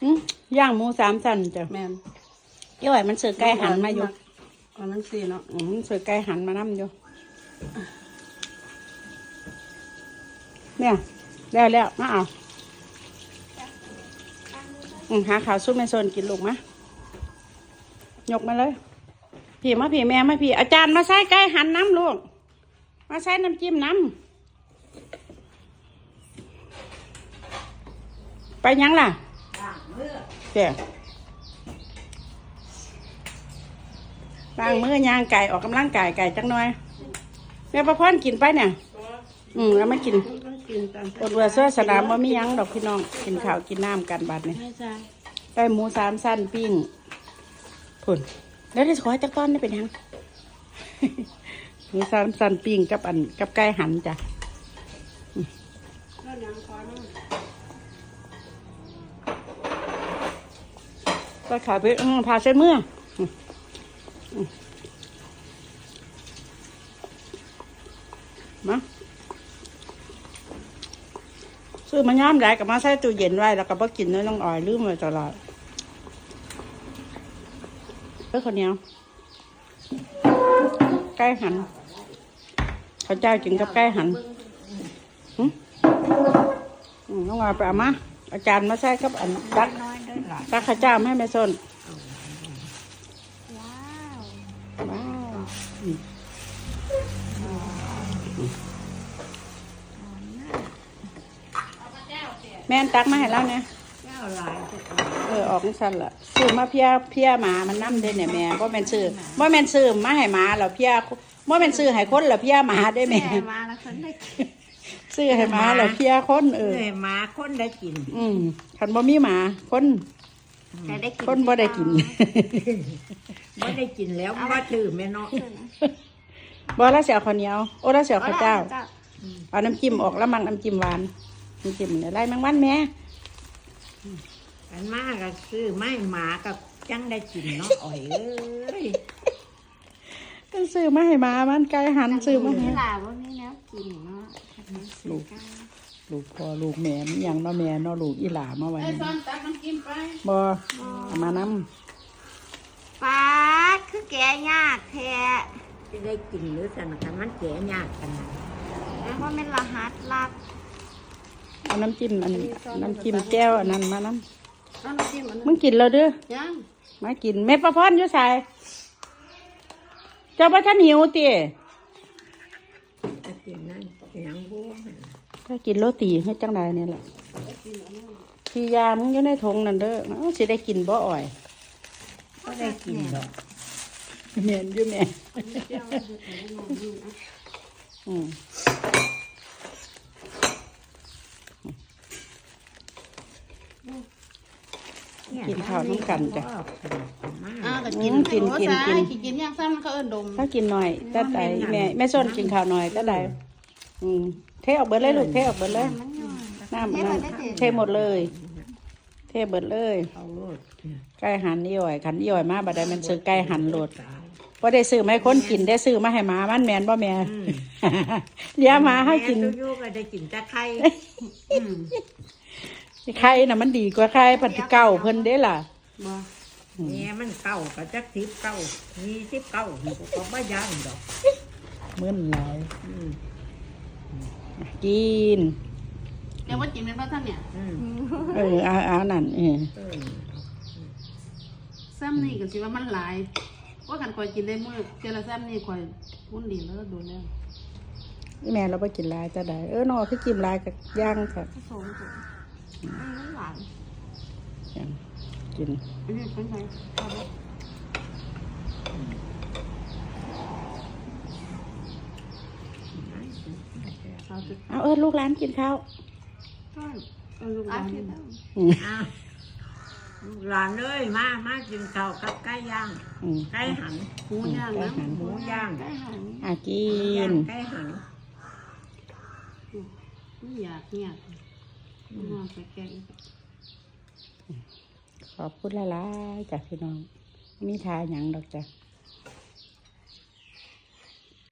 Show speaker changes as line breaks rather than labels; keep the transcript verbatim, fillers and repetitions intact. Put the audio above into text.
ย่างหมูสามชั้นจ้ะ
แม่น
เกี่ยวไอ้มันเสือไก่หันมาอยู่
อันนั้นสิเนาะ
อืมเสือไก่หันมานั่อยู่เนี่ยแล้วแล้วมาเอาอืมหาข่าวซุปแม่โซนกินลูกมะยกมาเลยพี่มาพี่แม่มาพี่อาจารย์มาใส่ไก่หันน้ำลูกมาใส่น้ำจิ้มน้ำไปยังล่ะเดี๋ยวล้างมือย่างไก่ออกกำลังกายไก่จังหน่อยแม่ประพรกินไปเนี่ยอืมแล้วไม่กินอดเวอร์เสื้อสนามว่ามียังดอกพี่น้องกินข้าวกินน้ำกันบัดเนี่ยได้หมูสามสั้นปิ้งผุนแล้วได้ขอจักต้อนได้เป็นยังหมูสามสั้นปิ้งกับอันกับไก่หันจ้ะก็ขาไปพาเส้นเมื่อมาซื้อมาย่ามได้กับมาใส่ตู้เย็นไว้แล้วก็บ่กินเนื้อน้องอ่อยลืมไว้ตลอดเพื่อคนเดียวไก่หันข้าวเจ้ากินกับไก่หันน้องอ่อยไปเอามาอาจารย์มาใส่กับอันตักตักข้าวเจ้าให้แม่ส้นว้าวแม่นตักมาให้แล้วเนี่ยเออออกสั่นละซื้อมาเพี้ยเพี้ยหมามันน้ำได้เนี่ยแม่ว่าแม่นซื้อว่าแม่นซื้อมาให้หมาเราเพี้ยว่าแม่นซื้อให้คนเราเพี้ยหมาได้แม่ซื้อให้หมาเราเพี้ยคนเออ
หมาคนได้กิน
อืมคันบ่มีหมาคนคนบ่ได้กิน
บ่ได้กินแล้วบ่ถือแม่เนาะ
บ่แล้วเสียข้าวเหนียวโอ้แล้วเสียข้าวเจ้าเอาน้ำจิ้มออกแล้วมังน้ำจิ้มหวานน้ำจิ้มอะไรแมงวันแม่
อันมากก็ซื้อไม่หมากับจังได้กินเนาะอ่อยเอ้ย
ก็ซื้อมาให้หมามันไก่หันซื้อมาให้
ลาว่ามีแล้วกินเนาะ
ลูกลูกพ่อลูกแม่มีอย่างเนาะแม่เนาะลูกอีหลามาไว้บ่เอามาน้
ำปลาคือแกยากแท้
จะได้กินหรือสั่งกันมันแก่ยากกัน
แล้วว่าเป็นรหัสลับ
เอาน้ำจิ้มอันน้ำจิ้มแก้วอันนั้นมาน้ำมึงกินแล้วเด้อมากินเม็ดปลาพอนอยู่ใส่เจ้าพ่อท่านหิวตี
กินนั่นยังบัว
ถ้ากินโรตีให้จังใดเนี่ยแหละพี่ยามึงอยู่ในถุงนั่นเด้อสิได้กินบ่อ่อย
ก็ได้กินดอก
เมียนอยู่แม่อืมกินข้าวน้ำกันจ้ะ
กินกินกินกินกินย่างซ้ำเขาเอิ้นดม
ถ้ากินหน่อยตาไตแม่แม่ส้นกินข้าวหน่อยตาไตอืมเทออกเบิดเลยลูกเทออกเบิดเลยน้ำน้ำเทหมดเลยเทเบิดเลยไก่หันนี่อ่อยขันนี่อ่อยมาบัดได้มันซื้อไก่หันโหลดพอได้ซื้อไม่ค้นกินได้ซื้อมาให้หมามันแมนบ่แม่เลี้ยงมาให้กิน
ยูก็ได้กินแต่ไข่
ไข่น่ะมันดีกว่าไข่ปัจจุเก่าเพิ่นได้ล่ะ
แม่มันเก่าก็จักทิพเก่ามีทิพเก่าหนูก็ไม่ย่างดอก
มึนหลายกิน
เดี๋ยวว่ากินเป็นบ้าท่านเนี่ย
เอออาอานั่นเออ
ซ้ำนี่ก็สิว่ามันหลายว่ากันคอยกินได้เมื่อเจริญซ้ำนี่คอยพุ่นดีแล้วโดนแล้ว
แม่เราไปกินลายจะได้เออนอคือกินลายกับย่างค่ะ
มันหวาน
ยังกิน
อันนี้เป็นไง
เอาเออลูกหลานกินข้าว
ลูกหลาน
หลานเลยมามากินข้าวกับไก่ย่างไก่หัน
หมูย่างนะ
หมูย่าง
ไก่หัน
อ่ะกิน
ไก่หัน
ไม่อยากเนี่ยนอนไปแกง
ขอบคุณหลายๆจากพี่น้องมีทาหยังดอกจ้ะ